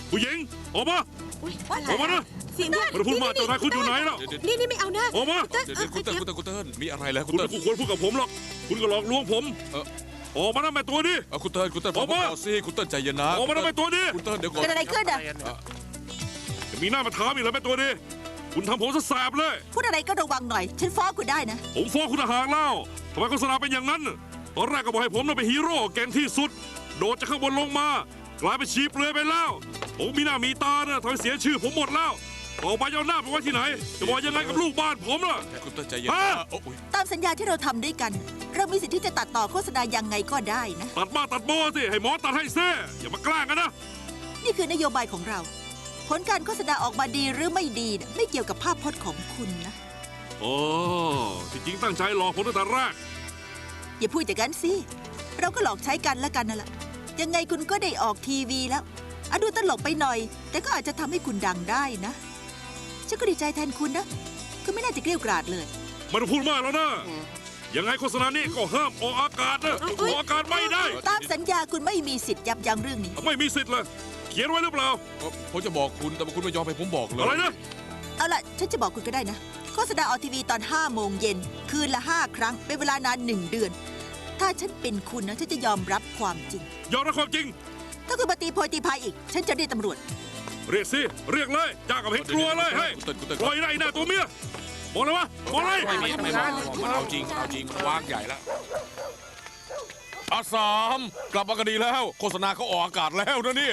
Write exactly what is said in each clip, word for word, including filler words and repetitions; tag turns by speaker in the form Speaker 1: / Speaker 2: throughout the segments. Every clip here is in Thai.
Speaker 1: ผู้หญิงออกมาออกมานะ
Speaker 2: เสียงด้วย
Speaker 1: มันพูดมาเจ้านายคุณอยู่ไหนล่ะ
Speaker 2: นี่นี่ไม่เอานะ
Speaker 1: ออกมา
Speaker 2: เติ้ล
Speaker 3: เดี๋ยวเดี๋ยวคุณเติ้ลคุณเติ้ลคุณเติ้ลมีอะไรแล้วคุ
Speaker 1: คุณ ณ
Speaker 3: เติ้
Speaker 1: ไม่
Speaker 3: ล
Speaker 1: ควรพูดกับผมหรอกคุณก็หลอกลวงผม
Speaker 3: เออ
Speaker 1: ออกมานะแม่ตัวนี้
Speaker 3: เอาคุณเติ้ลคุณเติ้ล
Speaker 1: ออกมา
Speaker 3: เสิคุณเติ้ลใจเย็นนะ
Speaker 1: ออกมานะแม่ตัวนี้
Speaker 3: คุณเติ้ลเดี๋ยวก่อน
Speaker 2: เกิดอะไรขึ้นอ่ะ
Speaker 1: จะมีหน้ามาถามอีกแล้วแม่ตัวนี้คุณทำผมซะแสบเลย
Speaker 2: พูดอะไรก็ระวังหน่อย ฉันฟ้องคุณได้นะ
Speaker 1: ผมฟ้องคุณทหารแล้วทำไมโฆษณาเป็นอย่างนั้นตอนแรกก็บอกให้ผมน่ะเป็นฮีโร่เก่งที่สุด โดดจากข้างบนลงมากลายเป็นชีเปลือยไปแล้วผมมีหน้ามีตาเนี่ยทำให้เสียชื่อผมหมดแล้วต่อไปจะเอาหน้าไปไว้ที่ไหนจะบอกยังไงกับลูกบ้านผมล่ะ
Speaker 3: คุณเติ้ลใจเย็น
Speaker 1: ฮะ
Speaker 3: นะโอ้ย
Speaker 2: ตามสัญญาที่เราทำด้วยกัน เรามีสิทธิ์ที่จะตัดต่อโฆษณายังไงก็ได้นะ
Speaker 1: ตัดมาตัดโบสิให้หมอตัดให้เซ่อย่ามาแกล้งกันนะ
Speaker 2: นี่คือนโยบายของเรา ผลการโฆษณาออกมาดีหรือไม่ดีน่ะไม่เกี่ยวกับภาพพจน์ของคุณนะ
Speaker 1: โอ้ที่จริงตั้งใจหลอกผมตั้งแต่แรก
Speaker 2: อย่าพูดอย่างนั้นสิ เราก็หลอกใช้กันแล้วกันนั่นแหละ ยังไงคุณก็ได้ออกทีวีแล้วอะดูตลกไปหน่อย แต่ก็อาจจะทำให้คุณดังได้นะ ฉันก็ดีใจแทนคุณนะ คุณไม่น่าจะเกลี้ยกล่อมเลย
Speaker 1: ไมันพูดมากแล้วนะยังไงโฆษณานี้ก็ห้ามออกอากาศนะออกอากาศไม่ได้
Speaker 2: ตามสัญญาคุณไม่มีสิทธิ์ยับยั้งเรื่องนี้
Speaker 1: ไม่มีสิทธิ์เลยเขียนไว้หรือเปล่า
Speaker 3: ผมจะบอกคุณแต่ว่าคุณไม่ยอมให้ผมบอกเลย
Speaker 1: อะไรนะ
Speaker 2: เอาล่ะ ฉันจะบอกคุณก็ได้นะ โฆษณาออกทีวีตอนห้าโมงเย็น คืนละห้าครั้ง เป็นเวลานานหนึ่งเดือน ถ้าฉันเป็นคุณนะ ฉันจะยอมรับความจริง
Speaker 1: ยอมรับความจริง
Speaker 2: ถ้าคุณมาตีโพยตีพายอีก ฉันจะเรียกตำรวจ
Speaker 1: เรียกสิเรียกเลยจ้ากับเห็นกลัวเลยเฮ้ย
Speaker 3: คุณเติ้ลคุณเติ้ล
Speaker 1: ปล่อยได้หน้าตัวเมียบอกเลยวะบอกเลย
Speaker 3: ไม่ไม่ไม่บอกมันเอาจริงเอาจริงวางใหญ่แล้วอาสามกลับมากันดีแล้ว โฆษณาเขาออกอากาศแล้วนะเนี่ย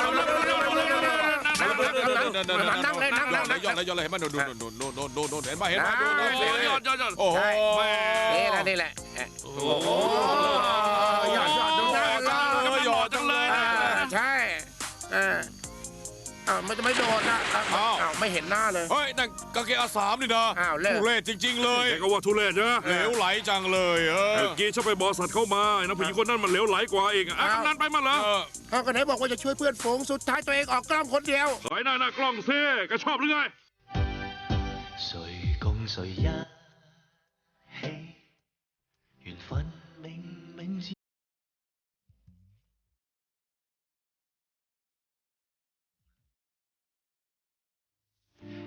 Speaker 3: นั่งเลยนั่งเลยย้อนเลยย้อนเลยเห็นไหมโน่นโน่นโน่นโน่นโน่นโน่นเห็นไหมเห็นไหม
Speaker 1: ยอดยอดยอด
Speaker 3: โอ้โห
Speaker 4: นี่แหละนี่แหละ
Speaker 1: โอ้โห
Speaker 4: หยอดหยอดดูหน้า
Speaker 1: หยอดจังเลยนะ
Speaker 4: ใช่เอออ้าวมันจะไม่โดนนะอ้าวไม่เห็นหน้าเลย
Speaker 3: เฮ้ยนั่นกางเกงอาสามนี่นะ
Speaker 4: อ้าวเลิก
Speaker 3: ทุเรศจริงๆเลย
Speaker 1: แกก็ว่าทุเรศนะ
Speaker 3: เหลวไหลจังเลยเออ
Speaker 1: เมื่อกี้ฉันไปบอสัตว์เข้ามานะผู้หญิงคนนั้นมันเหลวไหลกว่าเองอ่ะกำนันไปมาเหรอ
Speaker 4: เขาก็ไหนบอกว่าจะช่วยเพื่อนฝูงสุดท้ายตัวเองออกกล้องคนเดียว
Speaker 1: ขายหน้าหน้ากล้องซิแกชอบหรือไง
Speaker 5: 谁共谁一起，緣分